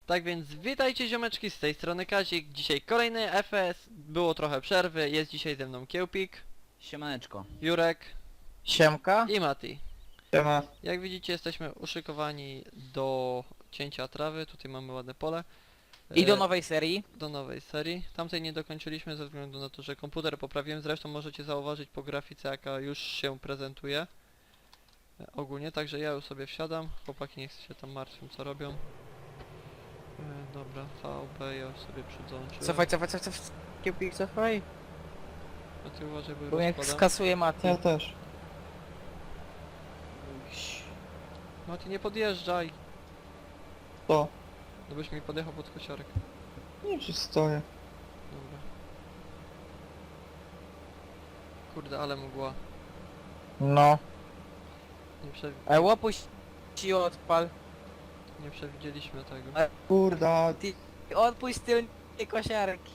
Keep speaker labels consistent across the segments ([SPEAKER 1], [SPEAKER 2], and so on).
[SPEAKER 1] Tak więc witajcie ziomeczki, z tej strony Kazik. Dzisiaj kolejny FS, było trochę przerwy, jest dzisiaj ze mną Kiełpik,
[SPEAKER 2] Siemaneczko.
[SPEAKER 1] Jurek
[SPEAKER 3] Siemka.
[SPEAKER 1] i Mati.
[SPEAKER 3] Siema.
[SPEAKER 1] Jak widzicie, jesteśmy uszykowani do cięcia trawy, tutaj mamy ładne pole.
[SPEAKER 3] I do
[SPEAKER 1] E,
[SPEAKER 3] nowej serii.
[SPEAKER 1] do nowej serii. Tamtej nie dokończyliśmy ze względu na to, że komputer poprawiłem, zresztą możecie zauważyć po grafice, jaka już się prezentuje. Ogólnie, także ja już sobie wsiadam, chłopaki niech się tam martwią co robią. Dobra, VB ja już sobie przydążyłem.
[SPEAKER 3] Cofaj. Kiełpik, cofaj.
[SPEAKER 1] A ty uważaj, bo
[SPEAKER 3] Bo jak
[SPEAKER 1] rozkładam.
[SPEAKER 3] skasuje Mati.
[SPEAKER 4] Ja też.
[SPEAKER 1] Mati, nie podjeżdżaj!
[SPEAKER 4] To.
[SPEAKER 1] No byś mi podjechał pod kosiarek.
[SPEAKER 4] Nie przystoję.
[SPEAKER 1] Dobra. Kurde, ale mgła.
[SPEAKER 3] No. Łopuś ci odpal.
[SPEAKER 1] nie przewidzieliśmy tego.
[SPEAKER 4] Kurda.
[SPEAKER 3] Ty odpuść tylnie kosiarki.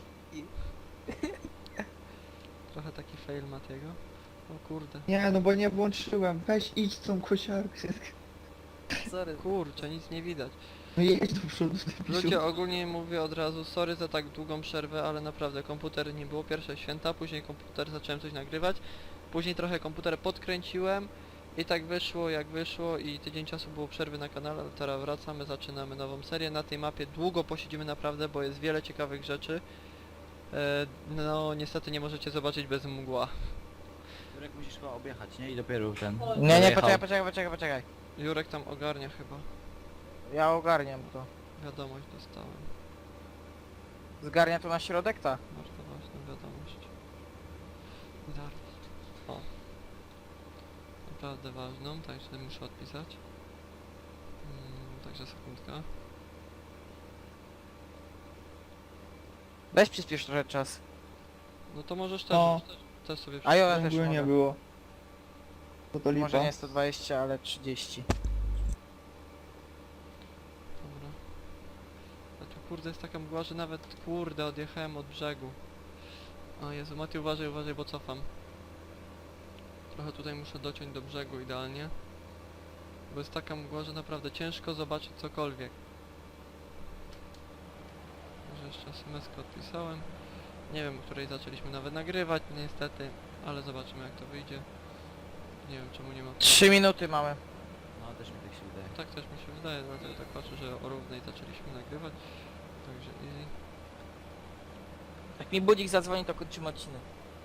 [SPEAKER 1] Trochę taki fail Matiego. O kurde.
[SPEAKER 4] Nie, no bo nie włączyłem. Weź idź tą kosiarkę.
[SPEAKER 3] Sorry.
[SPEAKER 1] Kurczę, nic nie widać.
[SPEAKER 4] No jedź do przodu. ty
[SPEAKER 1] Ludzie,
[SPEAKER 4] pisiu.
[SPEAKER 1] ogólnie mówię od razu, sorry za tak długą przerwę, ale naprawdę komputer nie było pierwsze święta, później komputer zacząłem coś nagrywać, później trochę komputer podkręciłem i tak wyszło jak wyszło i tydzień czasu było przerwy na kanale, ale teraz wracamy, zaczynamy nową serię. Na tej mapie długo posiedzimy naprawdę, bo jest wiele ciekawych rzeczy. No niestety nie możecie zobaczyć bez mgła.
[SPEAKER 2] Jurek, musisz chyba objechać, nie? I dopiero ten...
[SPEAKER 3] Nie,
[SPEAKER 2] dojechał.
[SPEAKER 3] poczekaj.
[SPEAKER 1] Jurek tam ogarnia chyba.
[SPEAKER 3] Ja ogarniam to.
[SPEAKER 1] Wiadomość dostałem.
[SPEAKER 3] Zgarnia to na środek, ta?
[SPEAKER 1] Bardzo ważna wiadomość. Zaraz. O. Naprawdę ważną, także muszę odpisać. Także sekundka.
[SPEAKER 3] Weź przyspiesz trochę czas.
[SPEAKER 1] No to możesz też,
[SPEAKER 4] No.
[SPEAKER 1] też sobie
[SPEAKER 3] A ja
[SPEAKER 4] W
[SPEAKER 3] też
[SPEAKER 4] ogóle nie
[SPEAKER 3] mogę.
[SPEAKER 4] było. To to lipa.
[SPEAKER 3] Może nie 120, ale 30.
[SPEAKER 1] Dobra. A tu kurde jest taka mgła, że nawet kurde odjechałem od brzegu. O Jezu, Mati uważaj, bo cofam. Trochę tutaj muszę dociąć do brzegu idealnie. Bo jest taka mgła, że naprawdę ciężko zobaczyć cokolwiek. Może jeszcze SMS-kę odpisałem. Nie wiem, o której zaczęliśmy nawet nagrywać niestety, ale zobaczymy jak to wyjdzie. Nie wiem czemu nie ma...
[SPEAKER 3] 3 minuty mamy.
[SPEAKER 2] No, też mi tak się wydaje.
[SPEAKER 1] Tak też mi się wydaje, dlatego tak patrzę, że o równej zaczęliśmy nagrywać. Także easy.
[SPEAKER 3] Jak mi budzik zadzwoni, to kończymy odcinek.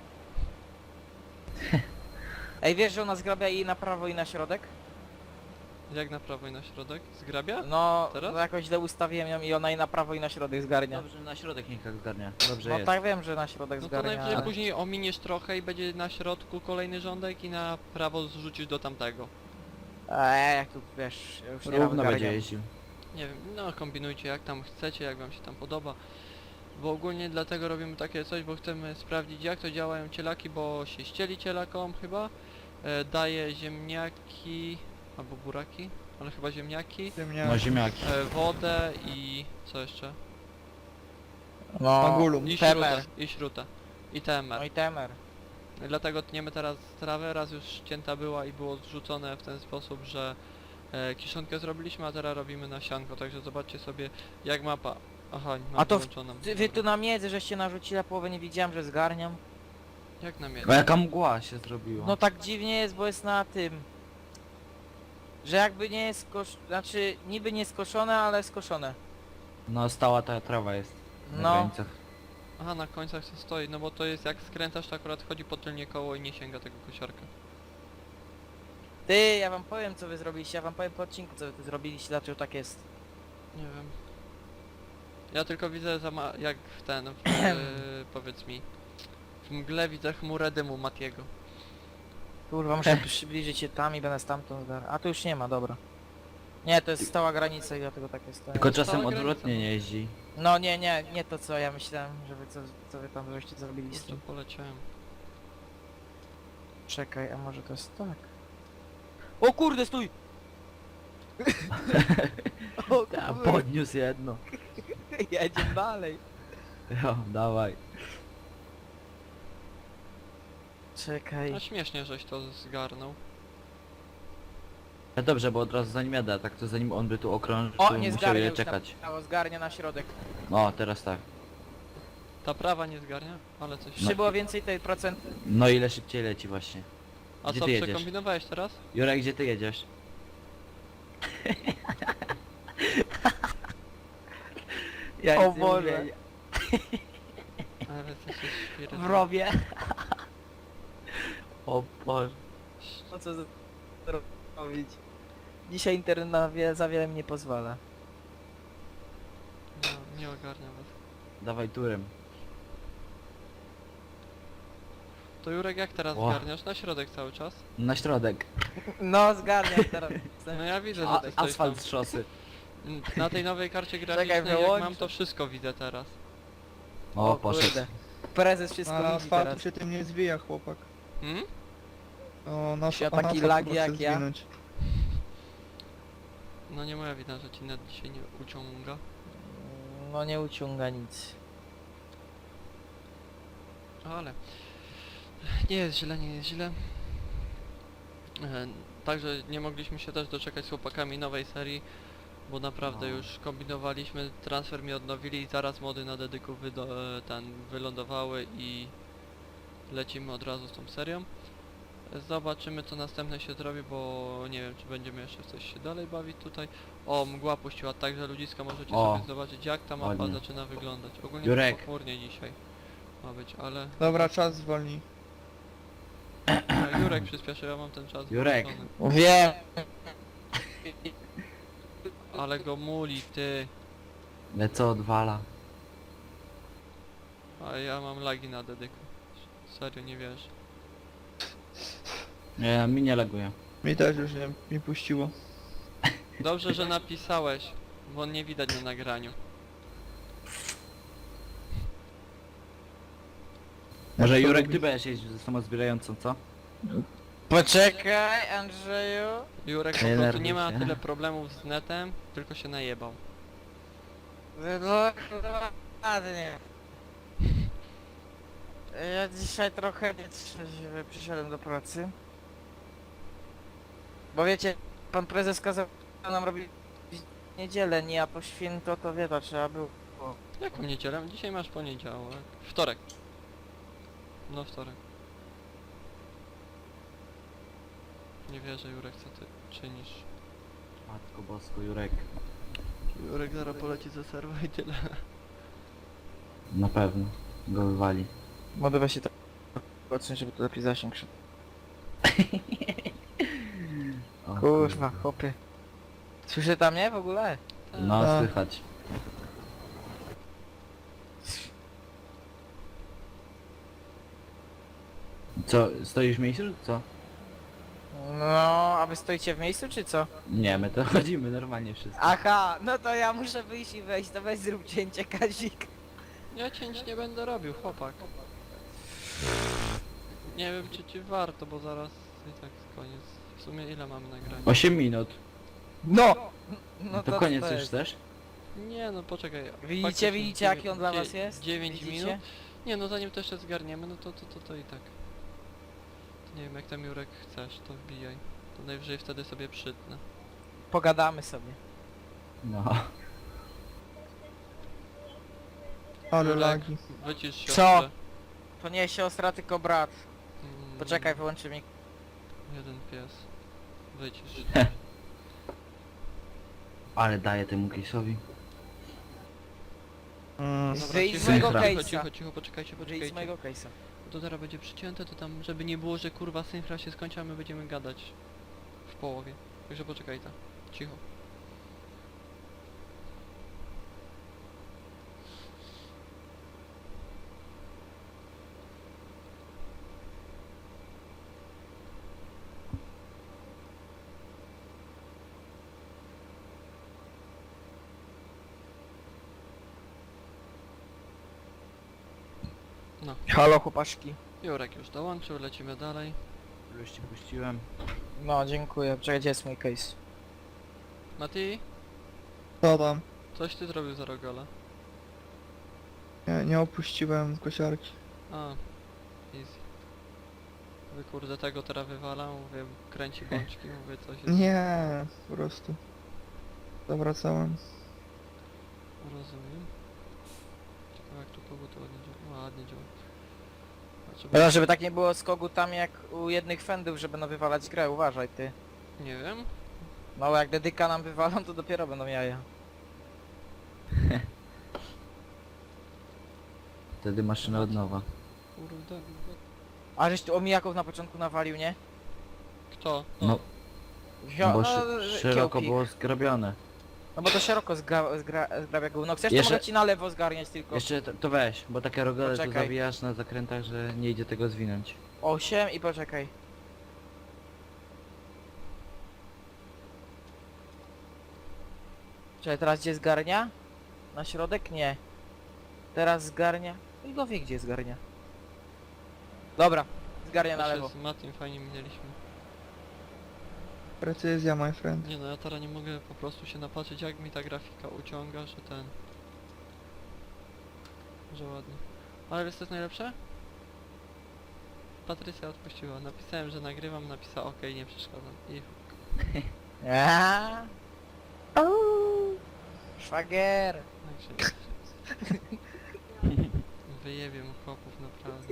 [SPEAKER 3] Ej, wiesz, że ona zgrabia i na prawo i na środek?
[SPEAKER 1] Jak na prawo i na środek? Zgrabia?
[SPEAKER 3] No,
[SPEAKER 1] Teraz?
[SPEAKER 3] no jakoś źle ustawiłem ją i ona i na prawo i na środek zgarnia.
[SPEAKER 2] Dobrze, na środek niech tak zgarnia. Dobrze
[SPEAKER 3] No
[SPEAKER 2] jest.
[SPEAKER 3] tak wiem, że na środek
[SPEAKER 1] No to
[SPEAKER 3] zgarnia.
[SPEAKER 1] najwyżej
[SPEAKER 3] ale-
[SPEAKER 1] później ominiesz trochę i będzie na środku kolejny rządek i na prawo zrzucisz do tamtego.
[SPEAKER 3] Jak tu wiesz, ja już nie
[SPEAKER 2] Równo
[SPEAKER 3] mam
[SPEAKER 2] będzie jeździł.
[SPEAKER 1] Nie wiem, no kombinujcie jak tam chcecie, jak wam się tam podoba. Bo ogólnie dlatego robimy takie coś, bo chcemy sprawdzić jak to działają cielaki, bo się ścieli cielakom chyba. Daje ziemniaki, albo buraki, ale chyba ziemniaki.
[SPEAKER 2] No ziemniaki.
[SPEAKER 1] Wodę i co jeszcze?
[SPEAKER 3] No,
[SPEAKER 4] Magulum.
[SPEAKER 1] I
[SPEAKER 3] temer.
[SPEAKER 1] śrutę. I śrutę. I temer.
[SPEAKER 3] No i temer.
[SPEAKER 1] Dlatego tniemy teraz trawę, raz już cięta była i było zrzucone w ten sposób, że kiszonkę zrobiliśmy, a teraz robimy nasianko, także zobaczcie sobie jak mapa... Aha, mam
[SPEAKER 3] A to
[SPEAKER 1] wyłączoną.
[SPEAKER 3] Wy tu na miedzy żeście narzucili, a połowę nie widziałem, że zgarniam.
[SPEAKER 1] Jak na mnie?
[SPEAKER 2] A jaka mgła się zrobiła?
[SPEAKER 3] No tak dziwnie jest, bo jest na tym. Że jakby nie jest znaczy niby nie skoszone, ale skoszone.
[SPEAKER 2] No stała ta trawa jest. Na
[SPEAKER 3] No.
[SPEAKER 2] granicach.
[SPEAKER 1] Aha, na końcach się stoi, no bo to jest jak skręcasz, to akurat chodzi po tylnie koło i nie sięga tego kosiarka.
[SPEAKER 3] Ty, ja wam powiem co wy zrobiliście, ja wam powiem po odcinku co wy tu zrobiliście, dlaczego tak jest.
[SPEAKER 1] Nie wiem. Ja tylko widzę jak w ten, powiedz mi, w mgle widzę chmurę dymu Matiego.
[SPEAKER 3] Kurwa, muszę przybliżyć się tam i będę stamtąd A tu już nie ma, dobra. Nie, to jest stała granica i dlatego tak jest.
[SPEAKER 2] Tylko czasem
[SPEAKER 1] stała granica,
[SPEAKER 2] odwrotnie
[SPEAKER 1] no.
[SPEAKER 2] nie jeździ.
[SPEAKER 3] No nie to co ja myślałem, że wy co wy tam żeście zrobili z
[SPEAKER 1] Kurczę,
[SPEAKER 3] tym.
[SPEAKER 1] poleciałem.
[SPEAKER 3] Czekaj, a może to jest tak? O kurde, stój! O
[SPEAKER 2] Ja
[SPEAKER 3] kurde,
[SPEAKER 2] podniósł jedno.
[SPEAKER 3] jedziemy dalej.
[SPEAKER 2] Jo, dawaj.
[SPEAKER 3] Czekaj.
[SPEAKER 1] A śmiesznie żeś to zgarnął.
[SPEAKER 2] Dobrze, bo od razu zanim jadę, a tak to zanim on by tu okrążył,
[SPEAKER 3] O,
[SPEAKER 2] to
[SPEAKER 3] nie
[SPEAKER 2] musiał
[SPEAKER 3] zgarnia
[SPEAKER 2] ile
[SPEAKER 3] już
[SPEAKER 2] czekać.
[SPEAKER 3] zgarnia na środek.
[SPEAKER 2] O, teraz tak.
[SPEAKER 1] Ta prawa nie zgarnia? Ale coś...
[SPEAKER 3] Jeszcze było więcej tej procent.
[SPEAKER 2] No ile szybciej leci właśnie.
[SPEAKER 1] A
[SPEAKER 2] Gdzie
[SPEAKER 1] co,
[SPEAKER 2] ty jedziesz?
[SPEAKER 1] przekombinowałeś teraz?
[SPEAKER 2] Jurek, gdzie ty jedziesz? Ja
[SPEAKER 3] O
[SPEAKER 2] nic nie
[SPEAKER 3] Boże.
[SPEAKER 2] mówię.
[SPEAKER 1] Ale to się świetnie.
[SPEAKER 3] W rowie.
[SPEAKER 2] O Boże.
[SPEAKER 3] No co robić? Dzisiaj internet na za wiele mi nie pozwala.
[SPEAKER 1] No, nie ogarnia was.
[SPEAKER 2] Dawaj turem.
[SPEAKER 1] To Jurek, jak teraz
[SPEAKER 2] O.
[SPEAKER 1] zgarniasz? Na środek cały czas?
[SPEAKER 2] Na środek.
[SPEAKER 3] No zgarniam teraz.
[SPEAKER 1] No ja widzę, że
[SPEAKER 2] A,
[SPEAKER 1] ty stoisz tam.
[SPEAKER 2] asfalt z szosy.
[SPEAKER 1] Na tej nowej karcie graficznej, jak
[SPEAKER 3] wyłączę.
[SPEAKER 1] mam, to wszystko widzę teraz.
[SPEAKER 2] O, poszedł.
[SPEAKER 3] kurde. Prezes wszystko
[SPEAKER 4] Na
[SPEAKER 3] widzi
[SPEAKER 4] asfaltu
[SPEAKER 3] teraz.
[SPEAKER 4] się tym nie zwija, chłopak.
[SPEAKER 1] Hmm?
[SPEAKER 4] O, na,
[SPEAKER 3] Się
[SPEAKER 4] o, na
[SPEAKER 3] taki
[SPEAKER 4] asfalt
[SPEAKER 3] lag
[SPEAKER 4] proszę
[SPEAKER 3] jak ja.
[SPEAKER 4] zwinąć.
[SPEAKER 1] No nie moja wina, że ci net dzisiaj nie uciąga.
[SPEAKER 3] No nie uciąga nic.
[SPEAKER 1] Ale... Nie jest źle, nie jest źle. Także nie mogliśmy się też doczekać z chłopakami nowej serii, bo naprawdę
[SPEAKER 2] No.
[SPEAKER 1] już kombinowaliśmy, transfer mi odnowili i zaraz mody na dedyku wylądowały i lecimy od razu z tą serią. Zobaczymy co następne się zrobi, bo nie wiem czy będziemy jeszcze w coś się dalej bawić tutaj. O, mgła puściła, także ludziska możecie
[SPEAKER 2] O,
[SPEAKER 1] sobie zobaczyć jak ta mapa
[SPEAKER 2] ładnie.
[SPEAKER 1] zaczyna wyglądać. Ogólnie
[SPEAKER 2] Jurek.
[SPEAKER 1] pochmurnie dzisiaj ma być, ale...
[SPEAKER 4] Dobra, czas zwolnij.
[SPEAKER 1] A, Jurek przyspieszył, ja mam ten czas
[SPEAKER 2] Jurek.
[SPEAKER 1] włączony.
[SPEAKER 3] Wiem.
[SPEAKER 1] Ale go muli, ty.
[SPEAKER 2] Lecę odwala.
[SPEAKER 1] A ja mam lagi na dedyku. Serio, nie wiesz.
[SPEAKER 2] Nie, mi nie laguje.
[SPEAKER 4] Mi też już nie mi puściło.
[SPEAKER 1] Dobrze, że napisałeś, bo nie widać na nagraniu.
[SPEAKER 2] Może
[SPEAKER 4] Jak to
[SPEAKER 2] Jurek,
[SPEAKER 4] robić?
[SPEAKER 2] ty będziesz jeździł ze samozbierającą, co?
[SPEAKER 3] Poczekaj, Andrzeju.
[SPEAKER 1] Jurek po
[SPEAKER 2] Nie
[SPEAKER 1] prostu
[SPEAKER 2] nerwuj
[SPEAKER 1] nie ma
[SPEAKER 2] się.
[SPEAKER 1] tyle problemów z netem, tylko się najebał.
[SPEAKER 3] Ładnie. Ja dzisiaj trochę nietrzeźwy przyszedłem do pracy. Bo wiecie, pan prezes kazał nam robić w niedzielę, nie, a po święto to wie, to trzeba było.
[SPEAKER 1] Jaką niedzielę? Dzisiaj masz poniedziałek. Wtorek. No wtorek. Nie wierzę Jurek, co ty czynisz.
[SPEAKER 2] Matko bosko, Jurek.
[SPEAKER 1] Jurek zaraz poleci ze serwa i tyle.
[SPEAKER 2] Na pewno. Go wywali.
[SPEAKER 3] Modowe się tak odsunąć, żeby to lepiej zasięg szedł.
[SPEAKER 2] O,
[SPEAKER 3] Kurwa, chłopie. Słyszy tam mnie w ogóle?
[SPEAKER 2] No,
[SPEAKER 4] Tak.
[SPEAKER 2] słychać. Co, stoisz w miejscu, czy co?
[SPEAKER 3] No, a wy stoicie w miejscu czy co?
[SPEAKER 2] Nie, my to chodzimy normalnie wszyscy.
[SPEAKER 3] Aha, no to ja muszę wyjść i wejść, to weź zrób cięcie, Kazik.
[SPEAKER 1] Ja cięć nie będę robił, chłopak. Nie wiem czy ci warto, bo zaraz i tak koniec. W sumie ile mamy nagrania?
[SPEAKER 2] 8 minut.
[SPEAKER 3] No!
[SPEAKER 2] No to koniec już
[SPEAKER 3] jest.
[SPEAKER 2] też?
[SPEAKER 1] Nie no poczekaj.
[SPEAKER 3] Widzicie,
[SPEAKER 1] faktycznie
[SPEAKER 3] widzicie jaki on dla was jest?
[SPEAKER 1] 9
[SPEAKER 3] Widzicie?
[SPEAKER 1] minut. Nie no zanim to jeszcze zgarniemy, no to i tak. To nie wiem jak tam Jurek chcesz, to wbijaj. To najwyżej wtedy sobie przytnę.
[SPEAKER 3] Pogadamy sobie.
[SPEAKER 2] No.
[SPEAKER 4] Ale
[SPEAKER 1] Jurek,
[SPEAKER 4] lagi.
[SPEAKER 1] wycisz się.
[SPEAKER 3] Co? To nie siostra, tylko brat.
[SPEAKER 1] Mm,
[SPEAKER 3] Poczekaj, wyłączy mi.
[SPEAKER 1] Jeden pies. Wycisz.
[SPEAKER 2] Ale daję temu case'owi.
[SPEAKER 1] Dobra,
[SPEAKER 3] Wyjdź
[SPEAKER 1] cicho,
[SPEAKER 3] z mojego
[SPEAKER 1] cicho,
[SPEAKER 3] case'a.
[SPEAKER 1] cicho, cicho, poczekajcie,
[SPEAKER 3] Wyjdź z
[SPEAKER 1] poczekajcie.
[SPEAKER 3] mojego case'a.
[SPEAKER 1] To teraz będzie przycięte, to tam, żeby nie było, że kurwa synchra się skończy, a my będziemy gadać w połowie. Także poczekaj tam. Cicho. No,
[SPEAKER 3] Halo chłopaszki.
[SPEAKER 1] Jurek już dołączył, lecimy dalej.
[SPEAKER 2] Już ci puściłem.
[SPEAKER 3] No, dziękuję. Czekaj, gdzie jest mój case?
[SPEAKER 1] Mati,
[SPEAKER 4] Co tam?
[SPEAKER 1] coś ty zrobił za Rogola?
[SPEAKER 4] Nie opuściłem kosiarki.
[SPEAKER 1] A, easy. Mówię, kurde, tego teraz wywalam, mówię, kręci bączki, mówię, coś jest...
[SPEAKER 4] Nie, po prostu. Zawracałem.
[SPEAKER 1] Rozumiem. Ciekawe jak tu kogo to ładnie działa. Ładnie działa. Znaczy,
[SPEAKER 3] No, żeby tak nie było z kogutami jak u jednych fendów, że będą wywalać grę, uważaj ty.
[SPEAKER 1] Nie wiem.
[SPEAKER 3] No jak dedyka nam wywalą, to dopiero będą jaja.
[SPEAKER 2] Wtedy maszyna od nowa.
[SPEAKER 1] Kurde.
[SPEAKER 3] A żeś tu omijaków na początku nawalił, nie?
[SPEAKER 1] Kto?
[SPEAKER 2] No,
[SPEAKER 3] Wio
[SPEAKER 2] bo
[SPEAKER 3] no,
[SPEAKER 2] szeroko
[SPEAKER 3] kiełpik.
[SPEAKER 2] było zgrabione.
[SPEAKER 3] No bo to szeroko zgrabia gówno. Chcesz
[SPEAKER 2] Jeszcze-
[SPEAKER 3] to mogę ci na lewo zgarniać tylko.
[SPEAKER 2] Jeszcze to weź, bo takie rogale tu
[SPEAKER 3] Poczekaj.
[SPEAKER 2] zawijasz na zakrętach, że nie idzie tego zwinąć.
[SPEAKER 3] 8 i poczekaj. Czekaj, teraz gdzie zgarnia? Na środek? Nie. Teraz zgarnia. I go wie gdzie zgarnia. Dobra, zgarnia na
[SPEAKER 1] Jeszcze
[SPEAKER 3] lewo.
[SPEAKER 1] z Matim fajnie minęliśmy.
[SPEAKER 4] Precyzja, my friend.
[SPEAKER 1] Nie no, ja teraz nie mogę po prostu się napatrzeć jak mi ta grafika uciąga, że ten... Że ładnie. Ale wiesz co jest najlepsze? Patrycja odpuściła. Napisałem, że nagrywam, napisała OK, nie przeszkadzam. I
[SPEAKER 3] Aaaa. Szwagier.
[SPEAKER 1] także... Wyjebię mu chłopów, naprawdę.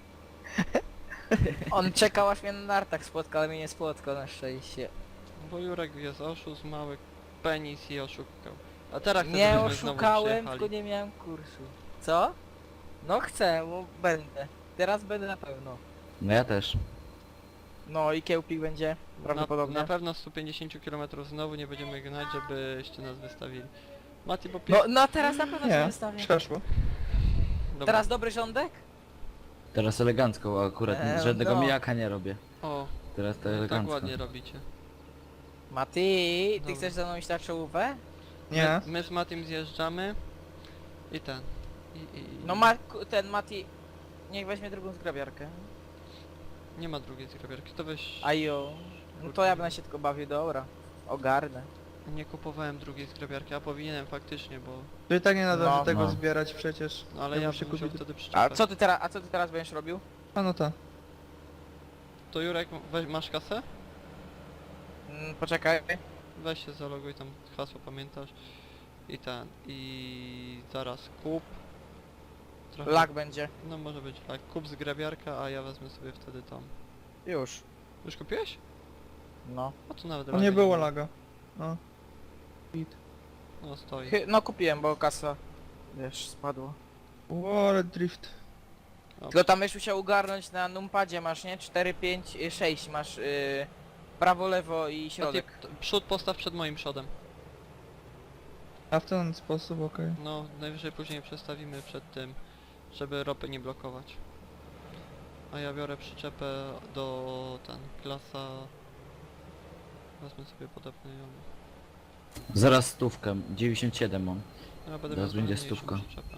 [SPEAKER 3] On czekał aż mnie na nartach spotka, ale mnie nie spotkał na szczęście.
[SPEAKER 1] Bo Jurek jest oszust, mały penis i oszukał. A teraz chcę,
[SPEAKER 3] Nie
[SPEAKER 1] żebyśmy znowu
[SPEAKER 3] oszukałem,
[SPEAKER 1] przyjechali.
[SPEAKER 3] tylko nie miałem kursu. Co? No chcę, bo będę. Teraz będę na pewno.
[SPEAKER 2] No ja też.
[SPEAKER 3] No i kiełpik będzie prawdopodobnie.
[SPEAKER 1] Na pewno 150 km znowu nie będziemy gnać, żebyście nas wystawili. Mati, bo
[SPEAKER 3] No teraz na pewno się
[SPEAKER 4] Nie,
[SPEAKER 3] wystawię.
[SPEAKER 4] przeszło.
[SPEAKER 1] Dobra.
[SPEAKER 3] Teraz dobry rządek?
[SPEAKER 2] Teraz elegancko, akurat żadnego
[SPEAKER 3] no.
[SPEAKER 2] mijaka nie robię.
[SPEAKER 1] O,
[SPEAKER 2] Teraz to
[SPEAKER 1] tak
[SPEAKER 2] elegancko.
[SPEAKER 1] ładnie robicie.
[SPEAKER 3] Mati, ty
[SPEAKER 1] Dobra.
[SPEAKER 3] chcesz ze mną iść na czołówę?
[SPEAKER 4] Nie.
[SPEAKER 1] My z Matim zjeżdżamy i ten.
[SPEAKER 3] No ten Mati, niech weźmie drugą zgrabiarkę.
[SPEAKER 1] Nie ma drugiej zgrabiarki, to weź...
[SPEAKER 3] Ajo. No to ja będę się tylko bawił, dobra. Ogarnę.
[SPEAKER 1] Nie kupowałem drugiej zgrabiarki, a powinienem faktycznie, bo...
[SPEAKER 4] To i tak nie należy
[SPEAKER 3] No.
[SPEAKER 4] tego
[SPEAKER 2] No.
[SPEAKER 4] zbierać przecież.
[SPEAKER 1] No ale
[SPEAKER 4] Ja
[SPEAKER 1] ja
[SPEAKER 4] bym się
[SPEAKER 1] bym musiał
[SPEAKER 4] kupił.
[SPEAKER 1] wtedy przyczepę.
[SPEAKER 3] A co ty teraz będziesz robił?
[SPEAKER 4] A no ta.
[SPEAKER 1] To Jurek, masz kasę?
[SPEAKER 3] Poczekaj.
[SPEAKER 1] Weź się zaloguj, tam hasło pamiętasz. I ten, i zaraz kup. Trochę...
[SPEAKER 3] Lag będzie.
[SPEAKER 1] No może być tak, kup zgrabiarka, a ja wezmę sobie wtedy tam.
[SPEAKER 3] Już.
[SPEAKER 1] Już kupiłeś?
[SPEAKER 3] No.
[SPEAKER 1] O tu nawet
[SPEAKER 4] To
[SPEAKER 1] laga
[SPEAKER 4] nie było
[SPEAKER 1] ma.
[SPEAKER 4] laga. No. Bit.
[SPEAKER 1] No stoi.
[SPEAKER 3] No kupiłem, bo kasa, wiesz, spadła.
[SPEAKER 4] O, ale drift.
[SPEAKER 3] Tylko tam już musiał ugarnąć na numpadzie, masz nie? 4, 5, 6 masz prawo, lewo i środek.
[SPEAKER 1] Przód postaw przed moim przodem.
[SPEAKER 4] A w ten sposób, okej.
[SPEAKER 1] No, najwyżej później przestawimy przed tym, żeby ropy nie blokować. A ja biorę przyczepę do klasa... Wezmę sobie podepnę ją.
[SPEAKER 2] Zaraz stówkę, 97 mam.
[SPEAKER 1] Ja będę
[SPEAKER 2] Teraz
[SPEAKER 1] miał
[SPEAKER 2] będzie
[SPEAKER 1] trochę mniejszą
[SPEAKER 2] stówka.
[SPEAKER 1] przyczepę.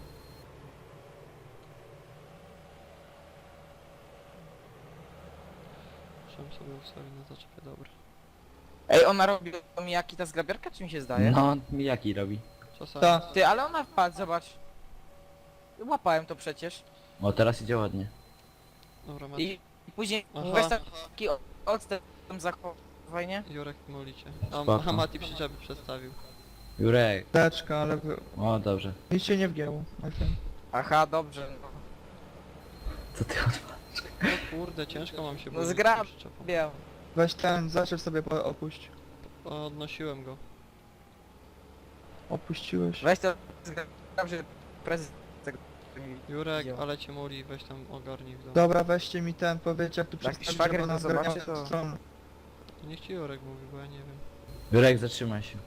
[SPEAKER 1] Muszę sobie ustawić na zaczepie, dobra.
[SPEAKER 3] Ej, ona robi mijaki ta zgrabiarka, czy mi się zdaje?
[SPEAKER 2] No, mijaki robi.
[SPEAKER 1] Czasami...
[SPEAKER 4] Ta.
[SPEAKER 3] Ty, ale ona wpadł, zobacz. Łapałem to przecież.
[SPEAKER 2] O, teraz idzie ładnie.
[SPEAKER 1] Dobra, masz.
[SPEAKER 3] I później
[SPEAKER 1] Aha.
[SPEAKER 3] weź taki odstęp tam zachowaj, nie?
[SPEAKER 1] Jurek molicie.
[SPEAKER 2] Spoko.
[SPEAKER 1] A Mati przyczepy przestawił.
[SPEAKER 2] Jurek.
[SPEAKER 4] Teczka, ale
[SPEAKER 2] O, dobrze.
[SPEAKER 4] nic się nie wgięło, my friend.
[SPEAKER 3] Aha, dobrze. No.
[SPEAKER 2] Co ty odwalasz?
[SPEAKER 1] No kurde, ciężko mam się
[SPEAKER 3] No
[SPEAKER 1] bawić
[SPEAKER 3] zgra-
[SPEAKER 1] tą przyczepą.
[SPEAKER 3] Wiem.
[SPEAKER 4] Weź ten, zaczew sobie opuść.
[SPEAKER 1] Odnosiłem go.
[SPEAKER 4] Opuściłeś.
[SPEAKER 3] Weź to zgrab, że prezes tego nie widzi.
[SPEAKER 1] Jurek,
[SPEAKER 3] Widział.
[SPEAKER 1] ale cię moli, weź tam ogarnij w domu.
[SPEAKER 4] Dobra, weźcie mi ten, powiedzcie jak tu
[SPEAKER 3] Jak
[SPEAKER 4] przestawić,
[SPEAKER 3] szwagier
[SPEAKER 4] żeby
[SPEAKER 3] to
[SPEAKER 4] nas
[SPEAKER 3] zobaczy,
[SPEAKER 4] zgarniał
[SPEAKER 3] to-
[SPEAKER 4] w stronę.
[SPEAKER 1] Niech ci Jurek mówi, bo ja nie wiem.
[SPEAKER 2] Jurek, zatrzymaj się.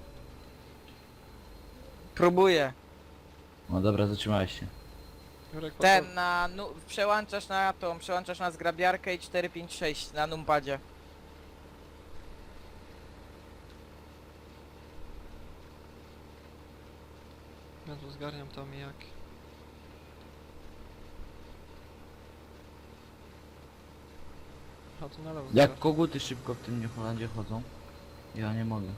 [SPEAKER 3] Próbuję.
[SPEAKER 2] O, dobra, zatrzymałeś się.
[SPEAKER 1] Jurek,
[SPEAKER 3] Ten na przełączasz na zgrabiarkę i 4, 5, 6 na numpadzie.
[SPEAKER 1] Ja tu zgarniam to mijaki. A tu na lewo
[SPEAKER 2] Jak
[SPEAKER 1] zgarniam.
[SPEAKER 2] koguty szybko w tym New Holandzie chodzą. Ja nie mogę.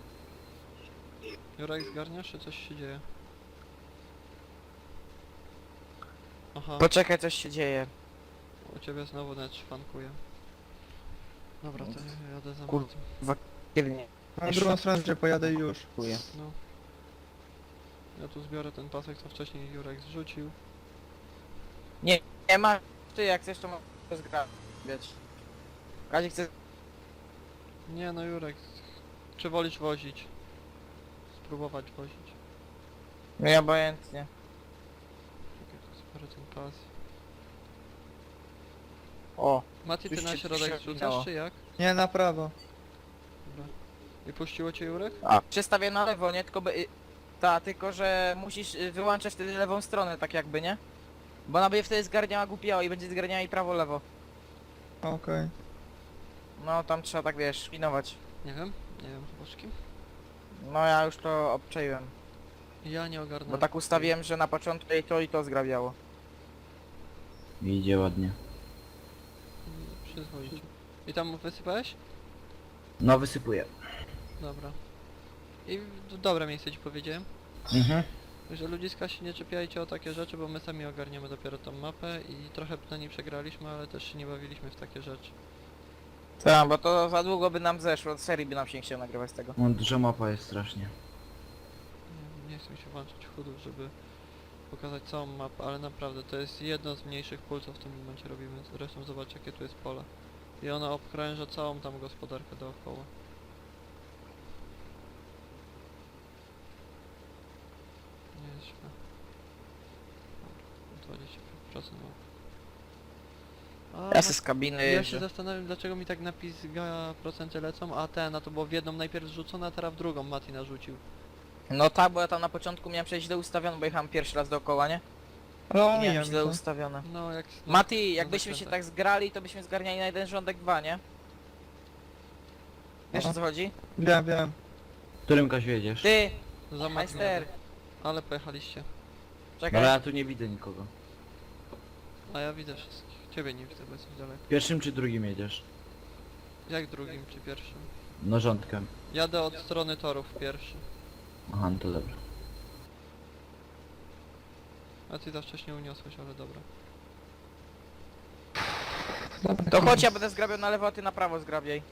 [SPEAKER 1] Jurek, zgarniasz, czy coś się dzieje? Aha,
[SPEAKER 3] Poczekaj, coś się dzieje.
[SPEAKER 1] U ciebie znowu net szwankuje. Dobra, to ja jadę za
[SPEAKER 3] Kur-
[SPEAKER 1] Matym.
[SPEAKER 3] Kiernie.
[SPEAKER 4] Na drugą stronę, że pojadę już.
[SPEAKER 3] Dziękuję.
[SPEAKER 1] No. Ja tu zbiorę ten pasek, co wcześniej Jurek zrzucił.
[SPEAKER 3] Nie ma, ty jak chcesz to możesz zgrabiać. Kazik chce...
[SPEAKER 1] Nie no Jurek, czy wolisz wozić? Spróbować wozić.
[SPEAKER 3] Nie, obojętnie.
[SPEAKER 1] Czekaj, tu zbiorę ten pas.
[SPEAKER 3] O,
[SPEAKER 1] Mati, ty
[SPEAKER 3] Już
[SPEAKER 1] na
[SPEAKER 3] się
[SPEAKER 1] środek
[SPEAKER 3] przewinęło.
[SPEAKER 1] zrzucasz, czy jak?
[SPEAKER 4] Nie, na prawo.
[SPEAKER 1] Dobra. I puściło cię Jurek?
[SPEAKER 3] przestawię na lewo, nie? Tylko by... tylko że musisz wyłączać wtedy lewą stronę, tak jakby, nie? Bo ona będzie wtedy zgarniała głupiało i będzie zgarniała i prawo-lewo.
[SPEAKER 4] Okej.
[SPEAKER 3] No tam trzeba tak wiesz, pilnować.
[SPEAKER 1] Nie wiem boczki.
[SPEAKER 3] No ja już to obczaiłem.
[SPEAKER 1] Ja nie ogarnę.
[SPEAKER 3] Bo tak ustawiłem, że na początku i to zgrabiało.
[SPEAKER 2] Idzie ładnie.
[SPEAKER 1] Przyzwoicie. I tam wysypałeś?
[SPEAKER 2] No wysypuję.
[SPEAKER 1] Dobra. I dobre miejsce ci powiedziałem.
[SPEAKER 2] Mhm.
[SPEAKER 1] Że ludziska się nie czepiajcie o takie rzeczy, bo my sami ogarniamy dopiero tą mapę i trochę na niej przegraliśmy, ale też się nie bawiliśmy w takie rzeczy.
[SPEAKER 3] Tak, bo to za długo by nam zeszło, od serii by nam się nie chciał nagrywać z tego.
[SPEAKER 2] No, duża mapa jest strasznie.
[SPEAKER 1] Nie chcę się włączyć chudów, żeby pokazać całą mapę, ale naprawdę to jest jedno z mniejszych pól, co w tym momencie robimy. Zresztą zobacz jakie tu jest pole. I ona obkrąża całą tam gospodarkę dookoła. Nie jest źle. Dobra, 20% mapy. A,
[SPEAKER 3] Ja se z kabiny
[SPEAKER 1] ja się
[SPEAKER 3] jeżdżę.
[SPEAKER 1] zastanawiam dlaczego mi tak napizga procenty lecą, a to było w jedną najpierw zrzucone, a teraz w drugą Mati narzucił.
[SPEAKER 3] No tak, bo ja tam na początku miałem przejść źle ustawione, bo jechałem pierwszy raz dookoła, nie?
[SPEAKER 4] Ale
[SPEAKER 3] I
[SPEAKER 4] omijam
[SPEAKER 3] miałem źle
[SPEAKER 4] to.
[SPEAKER 3] ustawione.
[SPEAKER 1] No jak...
[SPEAKER 3] Mati, jakbyśmy się
[SPEAKER 1] zakrętach.
[SPEAKER 3] tak zgrali, to byśmy zgarniali na jeden rządek 2, nie? Wiesz o
[SPEAKER 4] Aha.
[SPEAKER 3] co chodzi?
[SPEAKER 4] Wiem.
[SPEAKER 2] Którym Kasiu jedziesz?
[SPEAKER 3] Ty,
[SPEAKER 1] Za Mati
[SPEAKER 3] majster,
[SPEAKER 1] jadę. Ale pojechaliście.
[SPEAKER 3] czekaj.
[SPEAKER 2] Ale ja tu nie widzę nikogo.
[SPEAKER 1] A ja widzę wszystkich. Ciebie nie widzę, bo jesteś daleko.
[SPEAKER 2] Pierwszym czy drugim jedziesz?
[SPEAKER 1] Jak drugim czy pierwszym?
[SPEAKER 2] No rządkiem.
[SPEAKER 1] Jadę od strony torów pierwszy.
[SPEAKER 2] Aha, no to dobra.
[SPEAKER 1] A ty za wcześnie uniosłeś, ale dobra.
[SPEAKER 4] Dobra,
[SPEAKER 3] To chodź, ja będę zgrabiał na lewo, a ty na prawo zgrabiaj.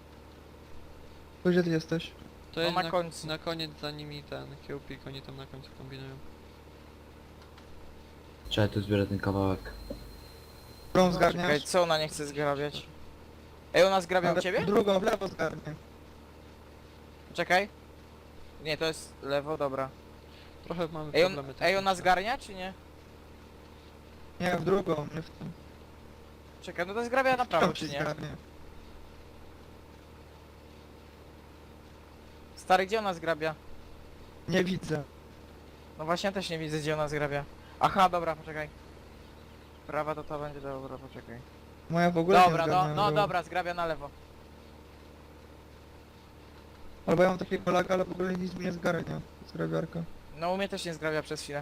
[SPEAKER 4] To gdzie ty jesteś?
[SPEAKER 1] To
[SPEAKER 3] No
[SPEAKER 1] jest
[SPEAKER 3] na końcu.
[SPEAKER 1] na koniec za nimi ten kiełpik, oni tam na końcu kombinują.
[SPEAKER 2] Trzeba tu zbierać ten kawałek.
[SPEAKER 4] Którą
[SPEAKER 3] Czekaj,
[SPEAKER 4] zgarniasz?
[SPEAKER 3] co ona nie chce zgrabiać? Ej, ona zgrabia u
[SPEAKER 4] Ale
[SPEAKER 3] ciebie?
[SPEAKER 4] Drugą, w lewo zgarnię.
[SPEAKER 3] Czekaj. Nie, to jest lewo, dobra.
[SPEAKER 1] Trochę mamy
[SPEAKER 3] Ej,
[SPEAKER 1] problemy
[SPEAKER 3] ej ona
[SPEAKER 1] techniczne.
[SPEAKER 3] zgarnia, czy nie?
[SPEAKER 4] Nie, w drugą, nie w tą.
[SPEAKER 3] Czekaj, no to zgrabia na prawo,
[SPEAKER 4] Tam
[SPEAKER 3] czy
[SPEAKER 4] się
[SPEAKER 3] nie?
[SPEAKER 4] zgarnie.
[SPEAKER 3] Stary, gdzie ona zgrabia?
[SPEAKER 4] Nie widzę.
[SPEAKER 3] No właśnie, ja też nie widzę, gdzie ona zgrabia. Aha, dobra, poczekaj. Prawa to będzie, dobra, poczekaj.
[SPEAKER 4] Moja w ogóle
[SPEAKER 3] Dobra,
[SPEAKER 4] nie
[SPEAKER 3] no,
[SPEAKER 4] zgarnia.
[SPEAKER 3] no dobra, zgrabia na lewo.
[SPEAKER 4] Albo ja mam takiego laga, ale w ogóle nic mi nie zgarnia. Zgrabiarka.
[SPEAKER 3] No u mnie też nie zgrabia przez chwilę.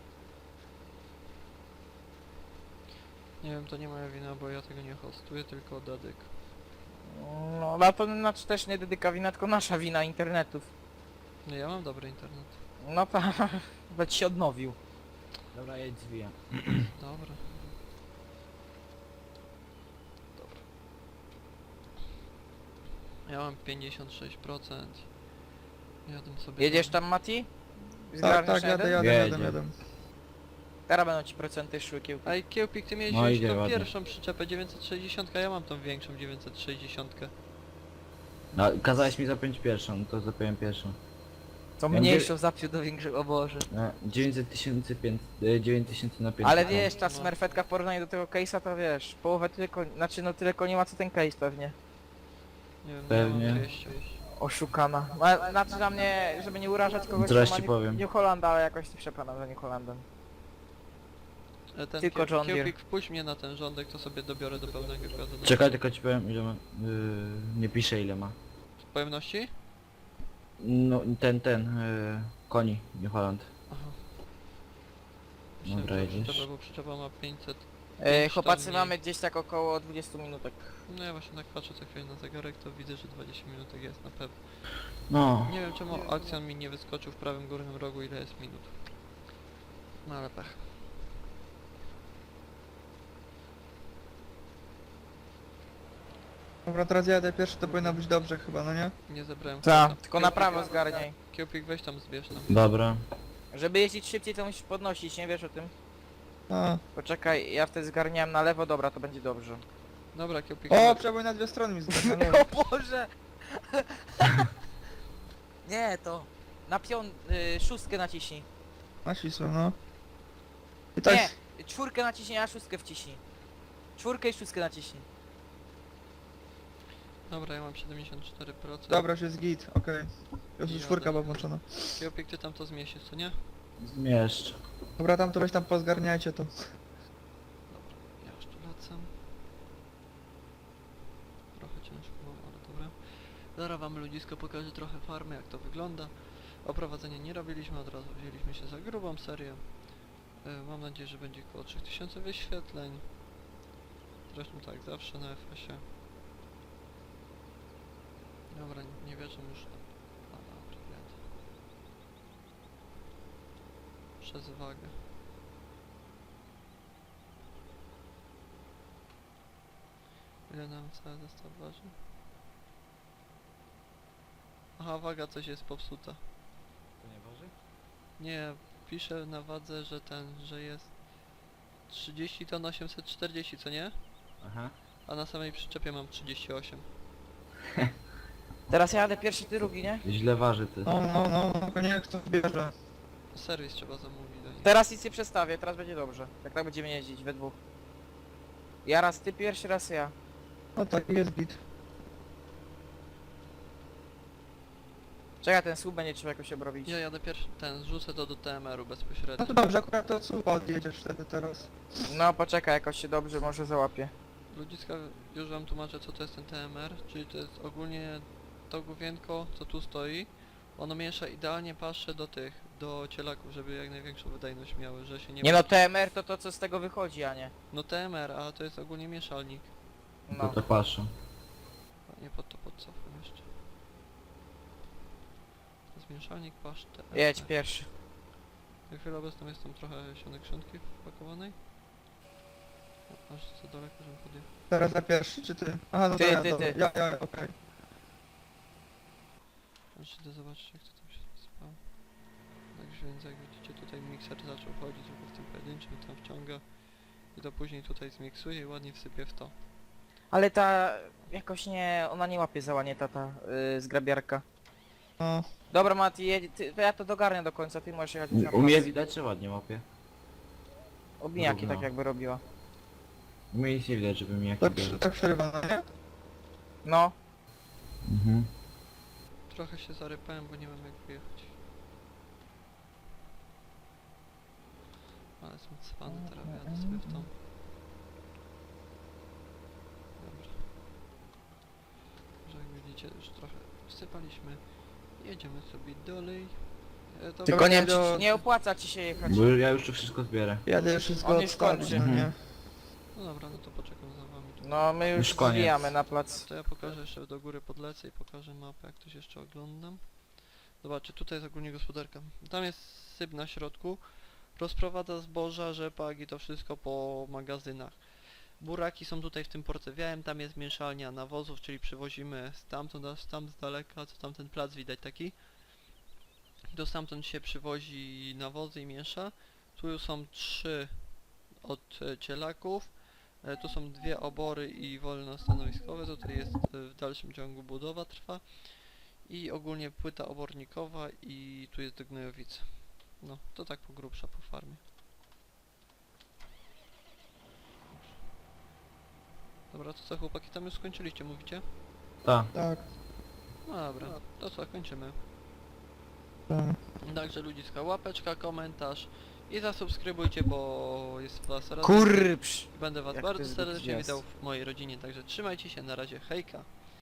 [SPEAKER 1] Nie wiem, to nie moja wina, bo ja tego nie hostuję, tylko Dadyk.
[SPEAKER 3] No, ale to znaczy też nie dedyka wina, tylko nasza wina internetów.
[SPEAKER 1] No ja mam dobry internet.
[SPEAKER 3] No tak, nawet się odnowił.
[SPEAKER 2] Dobra, jedź zwijam.
[SPEAKER 1] Dobra. Dobra. Ja mam 56%. Jadę sobie
[SPEAKER 3] Jedziesz
[SPEAKER 1] tam.
[SPEAKER 3] tam, Mati?
[SPEAKER 4] Tak,
[SPEAKER 3] Zgarniasz
[SPEAKER 4] tak,
[SPEAKER 3] na
[SPEAKER 4] jadę,
[SPEAKER 3] jeden?
[SPEAKER 4] jadę.
[SPEAKER 3] Teraz będą ci procenty szły kiełki.
[SPEAKER 1] Ej, Kiełpik, ty miałeś
[SPEAKER 2] No,
[SPEAKER 1] wziąć
[SPEAKER 2] idzie
[SPEAKER 1] tą
[SPEAKER 2] ładnie.
[SPEAKER 1] pierwszą przyczepę 960, a ja mam tą większą 960.
[SPEAKER 2] No, kazałeś mi zapiąć pierwszą, no to zapiąłem pierwszą.
[SPEAKER 3] Co
[SPEAKER 2] Ja
[SPEAKER 3] mniejszą zapił do większego, o Boże.
[SPEAKER 2] 900 tysięcy, 9000 na 5.
[SPEAKER 3] Ale wiesz, ta
[SPEAKER 1] No.
[SPEAKER 3] smerfetka w porównaniu do tego case'a to wiesz, połowę tylko, znaczy no tyle nie ma co ten case pewnie.
[SPEAKER 1] Nie wiem,
[SPEAKER 2] Pewnie.
[SPEAKER 1] ja mam 200.
[SPEAKER 3] Oszukana. Znaczy dla mnie, żeby nie urażać kogoś,
[SPEAKER 2] Zaraz
[SPEAKER 3] kto ma
[SPEAKER 2] ci powiem.
[SPEAKER 3] New Hollanda, ale jakoś nie przepadam za New Hollandem.
[SPEAKER 1] Ten
[SPEAKER 3] Tylko John Deere.
[SPEAKER 1] Kiełpik, wpuść mnie na ten rządek, to sobie dobiorę do pełnego kładu.
[SPEAKER 2] Czekaj, tylko ci powiem ile ma. Nie piszę ile ma.
[SPEAKER 1] Pojemności?
[SPEAKER 2] No, koni, New Holland.
[SPEAKER 1] Aha.
[SPEAKER 2] Dobra, jedziesz.
[SPEAKER 1] Przyczepa, bo przyczepa ma 500.
[SPEAKER 3] Chłopacy
[SPEAKER 1] mniej.
[SPEAKER 3] mamy gdzieś tak około 20 minutek.
[SPEAKER 1] No ja właśnie tak patrzę co chwilę na zegarek, to widzę, że 20 minutek jest na pewno.
[SPEAKER 2] No,
[SPEAKER 1] Nie wiem czemu akcjon mi nie wyskoczył w prawym górnym rogu ile jest minut. No ale pech.
[SPEAKER 4] Dobra, teraz ja jadę pierwszy, to powinno być dobrze chyba, no nie?
[SPEAKER 1] Nie zebrałem
[SPEAKER 3] Tak,
[SPEAKER 1] kota.
[SPEAKER 3] tylko na prawo zgarniaj.
[SPEAKER 1] Kiełpik weź tam zbierz tam.
[SPEAKER 2] Dobra.
[SPEAKER 3] Żeby jeździć szybciej, to musisz podnosić, nie wiesz o tym?
[SPEAKER 4] A.
[SPEAKER 3] Poczekaj, ja wtedy zgarniałem na lewo, dobra, to będzie dobrze.
[SPEAKER 1] Dobra, Kiełpik.
[SPEAKER 4] O, przebój na dwie strony mi zgarnął.
[SPEAKER 3] O Boże! Nie, to... Na szóstkę naciśnij.
[SPEAKER 4] Na ścisło, no. I tak,
[SPEAKER 3] Nie, czwórkę naciśnij, a szóstkę wciśnij. Czwórkę i szóstkę naciśnij.
[SPEAKER 1] Dobra, ja mam 74%.
[SPEAKER 4] dobra, już jest git, okej. Już
[SPEAKER 1] Jadę.
[SPEAKER 4] czwórka była włączona.
[SPEAKER 1] Kiełpik, ty tam to zmieścisz, co nie?
[SPEAKER 2] Zmieszcz.
[SPEAKER 4] Dobra, tam to weź tam pozgarniajcie to.
[SPEAKER 1] Dobra, ja już tu lecę. Trochę ciężko, ale dobra. Zaraz wam ludzisko pokażę trochę farmy, jak to wygląda. Oprowadzenia nie robiliśmy, od razu wzięliśmy się za grubą serię. Mam nadzieję, że będzie około 3000 wyświetleń. Zresztą tak, zawsze na FS-ie. Dobra, nie wierzę już. A, dobra, jadę. Przez wagę. Ile nam cały zestaw waży? Aha, waga coś jest popsuta.
[SPEAKER 2] To nie waży?
[SPEAKER 1] Nie, piszę na wadze, że jest 30 ton 840, co nie?
[SPEAKER 2] Aha.
[SPEAKER 1] A na samej przyczepie mam 38.
[SPEAKER 3] Teraz ja jadę pierwszy, ty drugi, nie?
[SPEAKER 2] Źle waży ty.
[SPEAKER 4] No, niech to bierze.
[SPEAKER 1] Serwis trzeba zamówić do nich.
[SPEAKER 3] Teraz nic nie przestawię, teraz będzie dobrze. Jak tak będziemy jeździć we dwóch. Ja raz ty pierwszy, raz ja.
[SPEAKER 4] No tak, jest git.
[SPEAKER 3] Czekaj, ten słup będzie trzeba jakoś obrobić.
[SPEAKER 1] Ja jadę pierwszy, zrzucę to do TMR-u
[SPEAKER 4] No
[SPEAKER 1] bezpośrednio.
[SPEAKER 4] to dobrze, akurat to słupa odjedziesz wtedy teraz.
[SPEAKER 3] No poczekaj, jakoś się dobrze może załapie.
[SPEAKER 1] Ludziska, już wam tłumaczę co to jest ten TMR, czyli to jest ogólnie to główienko, co tu stoi. Ono miesza idealnie pasze do cielaków, żeby jak największą wydajność miały, że się nie...
[SPEAKER 3] Nie no, TMR to to co z tego wychodzi, a nie.
[SPEAKER 1] No TMR, a to jest ogólnie mieszalnik.
[SPEAKER 2] To
[SPEAKER 3] No.
[SPEAKER 2] to patrzę.
[SPEAKER 1] Nie pod to podcofam jeszcze. To jest mieszalnik pasz TMR.
[SPEAKER 3] Jedź pierwszy.
[SPEAKER 1] Na chwilę obecną jest tam trochę sionek szynki wpakowanej. O, aż za daleko, żebym podjechał.
[SPEAKER 4] Teraz ja pierwszy, czy ty? Aha, no
[SPEAKER 3] Ty,
[SPEAKER 4] to ja,
[SPEAKER 3] ty,
[SPEAKER 4] dobra.
[SPEAKER 3] ty.
[SPEAKER 4] Ja, okej.
[SPEAKER 1] Aż idę zobaczyć jak to tam się spało. Także więc jak widzicie tutaj mikser zaczął chodzić tylko w tym pojedynczym, tam wciąga. I to później tutaj zmiksuje i ładnie wsypie w to.
[SPEAKER 3] Ale ta jakoś nie, ona nie łapie załanie ta zgrabiarka.
[SPEAKER 4] No,
[SPEAKER 3] Dobra Mati, to ja to dogarnę do końca, ty możesz jechać już na
[SPEAKER 2] U mnie
[SPEAKER 3] plac.
[SPEAKER 2] widać, czy ładnie łapie?
[SPEAKER 3] Obijaki
[SPEAKER 2] Równo.
[SPEAKER 3] tak jakby robiła.
[SPEAKER 2] U mnie nic nie widać, żeby mi
[SPEAKER 4] to
[SPEAKER 2] jakie bierze.
[SPEAKER 4] tak przerywa, no nie?
[SPEAKER 3] No.
[SPEAKER 2] Mhm.
[SPEAKER 1] Trochę się zarypałem, bo nie wiem jak wyjechać. Ale jestem cwany, teraz jadę sobie w tą. Dobra. Że jak widzicie już trochę wsypaliśmy. Jedziemy sobie dalej. To
[SPEAKER 3] Tylko nie wiem,
[SPEAKER 4] do-
[SPEAKER 3] czy nie opłaca ci się jechać.
[SPEAKER 2] Bo ja już tu wszystko zbierę.
[SPEAKER 4] Jadę wszystko
[SPEAKER 3] On już
[SPEAKER 4] odstawić,
[SPEAKER 3] kończy.
[SPEAKER 4] no nie?
[SPEAKER 1] No dobra, no to poczekam za wami. Tu.
[SPEAKER 3] No my już
[SPEAKER 2] Już koniec.
[SPEAKER 3] zwijamy na plac.
[SPEAKER 1] To ja pokażę jeszcze do góry, podlecę i pokażę mapę, jak ktoś jeszcze oglądam. Zobaczcie, tutaj jest ogólnie gospodarka. Tam jest syp na środku. Rozprowadza zboża, rzepak i to wszystko po magazynach. Buraki są tutaj w tym porcewiałem, tam jest mieszalnia nawozów, czyli przywozimy stamtąd aż tam z daleka, co tam ten plac widać taki. Do stamtąd się przywozi nawozy i miesza. Tu już są 3 od cielaków. Tu są 2 obory i wolnostanowiskowe, tutaj jest w dalszym ciągu budowa trwa. I ogólnie płyta obornikowa i tu jest do gnojowicy. No, to tak po grubsza po farmie. Dobra, to co chłopaki, tam już skończyliście, mówicie?
[SPEAKER 2] Ta.
[SPEAKER 4] Tak,
[SPEAKER 1] No dobra, to co, kończymy.
[SPEAKER 4] tak.
[SPEAKER 1] Także ludziska, łapeczka, komentarz i zasubskrybujcie, bo jest was raz.
[SPEAKER 3] Kurpsz!
[SPEAKER 1] Będę was
[SPEAKER 3] Jak
[SPEAKER 1] bardzo
[SPEAKER 3] to jest
[SPEAKER 1] serdecznie
[SPEAKER 3] gwiazd.
[SPEAKER 1] witał w mojej rodzinie, także trzymajcie się, na razie, hejka.